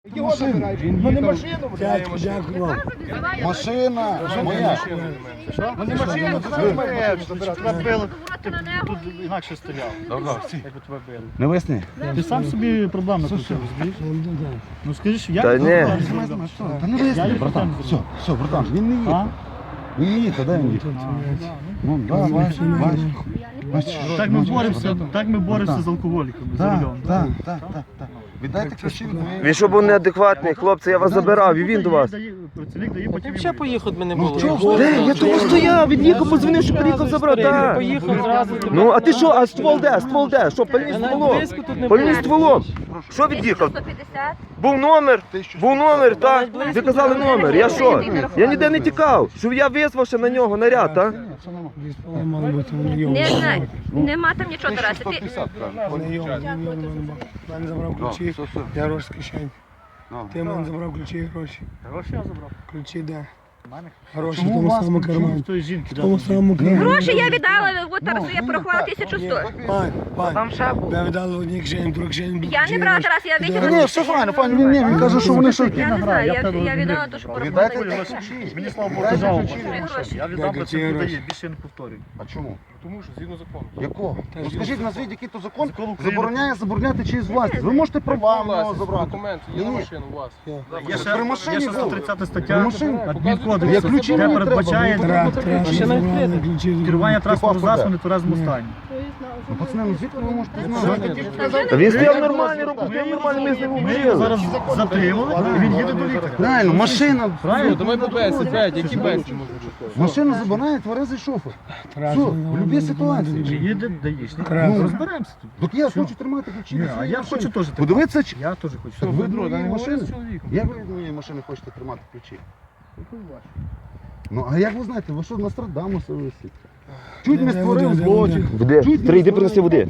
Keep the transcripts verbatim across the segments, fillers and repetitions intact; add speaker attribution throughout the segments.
Speaker 1: Його забирають. Ну не машину, блядь.
Speaker 2: Машина моя.
Speaker 1: Ну не машину, це ж мене забирати.
Speaker 3: Тебе били, ти тут інакше стріляв. Якби тебе били.
Speaker 2: Не висни.
Speaker 3: Ти сам собі проблем накрутив, розумієш? Ну скажи, що я
Speaker 4: Та
Speaker 3: не
Speaker 4: ні.
Speaker 3: знаю.
Speaker 2: Та не висни, братан. Все, все, братан, він не їде.
Speaker 3: А?
Speaker 2: Він не їде, дай він їде. Ну, да, бачиш, бачиш.
Speaker 3: Так ми боремося, так ми боремося з алкоголіками за
Speaker 2: Так,
Speaker 3: рулем.
Speaker 2: так, так, так, так. Віддайте ключі від моєї.
Speaker 4: Він що був неадекватний, хлопці, я вас забирав, і він до вас.
Speaker 3: Працівник дає, потім
Speaker 5: Ще поїхати ми не було.
Speaker 4: Де? Я тому стояв, він їхав, позвонив, що приїхав забрати. Так.
Speaker 5: Поїхав зразу.
Speaker 4: Ну, а ти що, а ствол де? Ствол де? Що, пальний стволом?
Speaker 5: близько тут не
Speaker 4: Пальний
Speaker 5: було.
Speaker 4: стволом. Що від'їхав?
Speaker 6: сто п'ятдесят.
Speaker 4: Був номер, був номер, так? Ви казали номер, я що? Я ніде не тікав, що я визвав ще на нього наряд, так?
Speaker 6: Не знаю, нема там нічого, Тарас. Ти...
Speaker 7: Мене забрав ключі, я гроші з кишень. Ти мене забрав ключі і гроші.
Speaker 3: Гроші я забрав.
Speaker 7: Ключі де?
Speaker 3: У мене.
Speaker 7: Гроші в тому самому кармані.
Speaker 3: З тої жінки.
Speaker 7: В тому самому кармані.
Speaker 6: Гроші я віддала, от Тарасу я порахувала тисячу сто.
Speaker 7: Пань, пань, я віддав одній кишені, другій кишені.
Speaker 6: Я не брала, Тарас, я
Speaker 2: Ні,
Speaker 6: витягнула.
Speaker 2: все файно, файно, він ні, він каже, що вони що.
Speaker 6: Я не знаю, я, я віддала те, що
Speaker 2: Віддайте
Speaker 6: порахувала.
Speaker 2: ключі.
Speaker 3: Мені слава Богу, жалко.
Speaker 6: Гроші.
Speaker 3: Я віддав,
Speaker 7: Дай
Speaker 3: це
Speaker 7: ключі,
Speaker 3: продає,
Speaker 7: гроші.
Speaker 3: більше я не повторюю.
Speaker 2: А чому?
Speaker 1: Тому що згідно закону.
Speaker 2: Якого? Ну скажіть, назвіть, який то закон
Speaker 3: Закон України.
Speaker 2: забороняє забороняти чиїсь власність. Ви можете права в нього забрати.
Speaker 1: Документ є на
Speaker 2: Ні.
Speaker 1: машину у вас.
Speaker 3: Є ще,
Speaker 2: При машині
Speaker 3: є ще
Speaker 2: був.
Speaker 3: сто тридцята
Speaker 2: При
Speaker 3: стаття
Speaker 2: машині.
Speaker 3: адмінкодексу,
Speaker 2: Я ключі
Speaker 3: де
Speaker 2: мені треба,
Speaker 3: передбачає
Speaker 2: бо-
Speaker 7: Треба, треба, щоб забрали ключі.
Speaker 3: керування транспортним
Speaker 2: Типа,
Speaker 3: засобом в нетверезому стані.
Speaker 2: Ну, пацани, ну звідки ви можете знати?
Speaker 4: Та він стояв нормальний, руку стояв нормальний, ми з ним
Speaker 3: Ми його
Speaker 4: говорили.
Speaker 3: зараз затримали, і він їде до лікаря.
Speaker 2: Правильно, машина.
Speaker 3: Правильно?
Speaker 1: Давай по бесі, Федь, які бесі можуть бути?
Speaker 2: Машина забирає тверезий шофер. Все, в будь-якій ситуації.
Speaker 3: Їде даїшник.
Speaker 7: Треба.
Speaker 3: Ну, розберемося тут.
Speaker 2: Так я хочу тримати ключі.
Speaker 3: Ні,
Speaker 2: від
Speaker 3: а
Speaker 2: своєї
Speaker 3: я
Speaker 2: машини.
Speaker 3: хочу теж так.
Speaker 2: Подивіться, чи...
Speaker 3: Я теж хочу.
Speaker 2: Так ви від
Speaker 1: Дмитро,
Speaker 2: моєї
Speaker 1: не говори
Speaker 2: машини?
Speaker 1: з чоловіком.
Speaker 2: Як ви від моєї машини хочете тримати ключі? Ну, а як ви знаєте, ви що, Нострадамуса висите? Чуть не створив злочин.
Speaker 4: Води, Стрій, йди принеси води.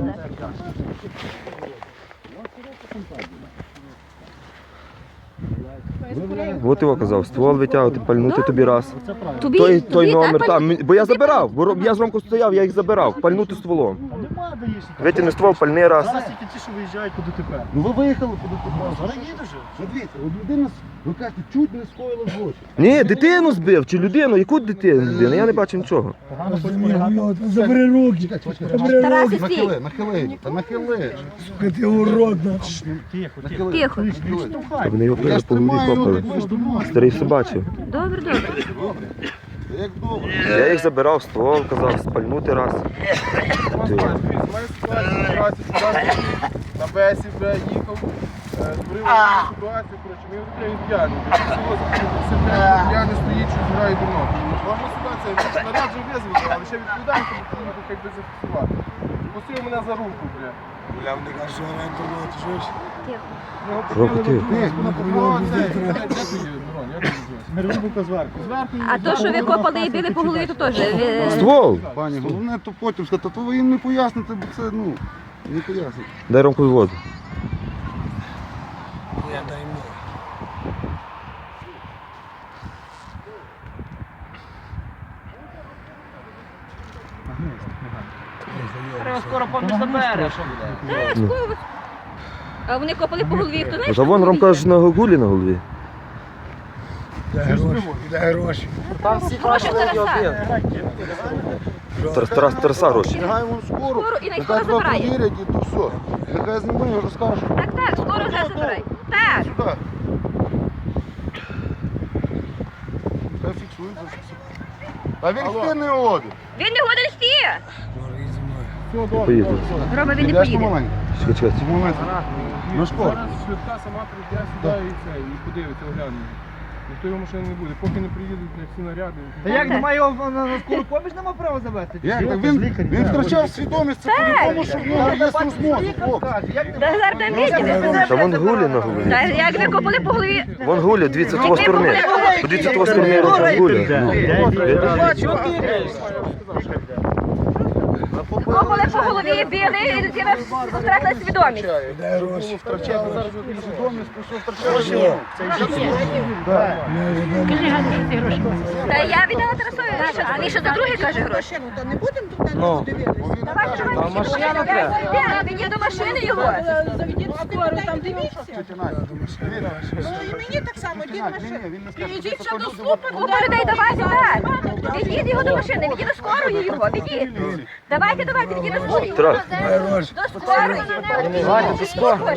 Speaker 4: От його казав, ствол витягувати, пальнути тобі раз.
Speaker 6: Тобі,
Speaker 4: Той,
Speaker 6: тобі,
Speaker 4: той
Speaker 6: так,
Speaker 4: номер,
Speaker 6: пані?
Speaker 4: там, бо я забирав, бо роб- я з Ромкою стояв, я їх забирав, пальнути стволом.
Speaker 3: А нема даїшника.
Speaker 4: Витягни ствол, пальни раз.
Speaker 3: Зараз тільки ті, що виїжджають по ДТП.
Speaker 2: Ну ви виїхали по ДТП.
Speaker 3: Зараз їде вже.
Speaker 2: Ну, дивіться, от людина, ви кажете, чуть не скоїла злочин.
Speaker 4: Ні, дитину збив, чи людину, яку дитину? Людину? Я не бачив нічого.
Speaker 3: Погано спостерігати.
Speaker 7: Забери руки, забери
Speaker 6: Тарас,
Speaker 7: руки.
Speaker 6: стій.
Speaker 2: Нахили, нахили, та нахили.
Speaker 7: Сука, ти урод, на.
Speaker 3: Тихо, тихо.
Speaker 2: Нахили.
Speaker 6: Тихо.
Speaker 3: Не штовхай.
Speaker 4: Вони його
Speaker 2: Я ж
Speaker 4: по голові
Speaker 2: тримаю
Speaker 4: копали.
Speaker 2: руки.
Speaker 4: Старий все бачив.
Speaker 6: Добре, добре.
Speaker 2: Як добре.
Speaker 4: Я їх забирав, ствол, казав, спальнути раз. Ти.
Speaker 1: Моя ситуація, ситуація, сюди на бесі, бля, їхав, е, створив одну ситуацію, коротше, ми його він п'яний. Я не стоїть, що зграє дурно. Кожна ситуація, наряд вже визвали, але ще відповідальність, бо поїхав, як би зафіксувати. Пустив мене за руку, бля.
Speaker 7: Бля, вони кажуть, що вона інтернет, чуєш?
Speaker 4: Року ти.
Speaker 1: Ну, це, де ти є, Мирон, як ти називаєш?
Speaker 3: Мерзлюка зверху.
Speaker 1: Зверху
Speaker 6: А то, що ви копали і били по голові, то теж. е,
Speaker 4: Ствол!
Speaker 2: Пані, головне то потім сказати, то ви їм не поясните, бо це, ну, не поясните.
Speaker 4: Дай Ромкові воду.
Speaker 7: Я дай мені.
Speaker 5: Скоро поміж забереш.
Speaker 6: е, скоро. А вони копали по голові, хто не
Speaker 4: Та вон Ромка ж на гулі на голові.
Speaker 7: Дай гроші, дай гроші.
Speaker 5: Там всі
Speaker 6: Гроші в Тараса.
Speaker 4: Тарас, Тарас, Тараса гроші.
Speaker 2: Нехай вон скоро,
Speaker 6: Скоро і
Speaker 2: нехай
Speaker 6: скоро
Speaker 2: тебе
Speaker 6: забирає.
Speaker 2: провірять і то все. Нехай знімає, розкаже.
Speaker 6: Так, так, скоро вже забирай. Так.
Speaker 2: Сюди. Хай фіксують, зафіксують. А він хто не один.
Speaker 6: Він не годен стіє.
Speaker 7: Може, їдь зі мною.
Speaker 4: Поїду.
Speaker 6: Рома, він не
Speaker 2: Ідеш
Speaker 6: поїде.
Speaker 2: помаленьку.
Speaker 4: Чекай, чекай.
Speaker 2: Цього моменту. На школу.
Speaker 1: Зараз швидка сама прийде сюди і це, і подивиться, огляне. Ніхто його машини не буде, поки не приїдуть бля, всі наряди.
Speaker 5: Та як немає його на скору поміж нема права забити?
Speaker 2: Як так? Він, він втрачав свідомість, це по-любому, що в нього є струс мозку, хлопці.
Speaker 6: Та зараз там відділи.
Speaker 4: Та вон гулі на голові.
Speaker 6: Та як ви копали по голові?
Speaker 4: Вон гулі, дивіться того сторони. Подивіться того сторони, Ромка гулі.
Speaker 6: Копали по голові, били, і ви втратили свідомість.
Speaker 7: Дай гроші.
Speaker 2: Втрачав зараз свідомість, просто втрачав.
Speaker 6: Та я віддала Тарасові, а він ще за другий каже гроші.
Speaker 8: Та не будемо тут на нього дивитися.
Speaker 6: Давай, давай,
Speaker 5: машина
Speaker 6: він їде до машини його.
Speaker 8: Заведіть скоро, там дивіться. Ну і мені так само, дід машина. Підійдіть ще до слупи,
Speaker 6: Купа людей, давайте так. Від'їдь його до машини, від'їдь до скорої його, від'їдь. Давайте, давайте, від'їдь до скорої.
Speaker 4: Трохи.
Speaker 6: До скорої.
Speaker 5: Давайте до скорої.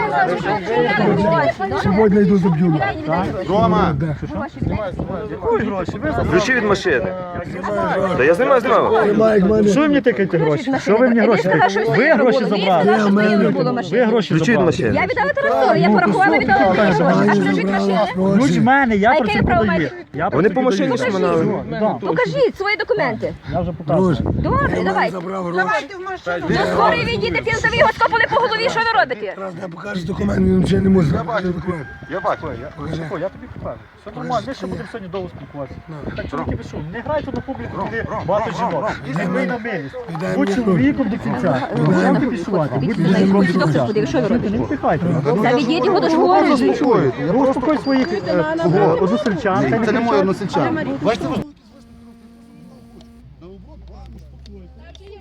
Speaker 7: Сьогодні йду заб'ю.
Speaker 1: Рома!
Speaker 3: Якої гроші? Ви за
Speaker 4: Ключі від машини. Та я знімаю, знімаю.
Speaker 7: Немає як мене.
Speaker 3: Що ви мені тикаєте гроші? Що ви мені гроші тикаєте? Ви гроші забрали. Ви гроші
Speaker 4: Ключі від
Speaker 3: забрали.
Speaker 4: машини.
Speaker 6: Я віддала Тарасові, я порахувала, віддала Тарасові. А що від машини?
Speaker 3: Ключ в мене, я
Speaker 6: А
Speaker 3: про
Speaker 6: яке
Speaker 3: це
Speaker 6: право
Speaker 3: подаю.
Speaker 6: маєте?
Speaker 3: Я про
Speaker 4: Вони
Speaker 3: це
Speaker 4: по машині
Speaker 3: подаю.
Speaker 4: ж мене.
Speaker 3: Да.
Speaker 6: Покажіть свої документи.
Speaker 3: Я вже показую.
Speaker 6: Добре, давайте.
Speaker 7: Забрав гроші.
Speaker 8: Давайте в машину.
Speaker 6: До скорої відійдете, пінцеві його скопали по голові, що ви робите?
Speaker 7: Раз не покажеш документ, він вже не може. Я бачу документ.
Speaker 1: Я бачу.
Speaker 7: Покажи.
Speaker 3: О, я тобі покажу. Все нормально, ми ще будемо сьогодні довго спілкуватися. Так, чоловіки, ви що, не грайте на публіку, де багато жінок. Ви на милість. Будь чоловіком до кінця. Будете пішувати, будьте жінком до кінця.
Speaker 6: Що ви робите?
Speaker 3: Не втихайте.
Speaker 6: Та від'їдь його до школи.
Speaker 3: Я успокой своїх е, односельчан.
Speaker 2: Це не моє односельчан. Бачите,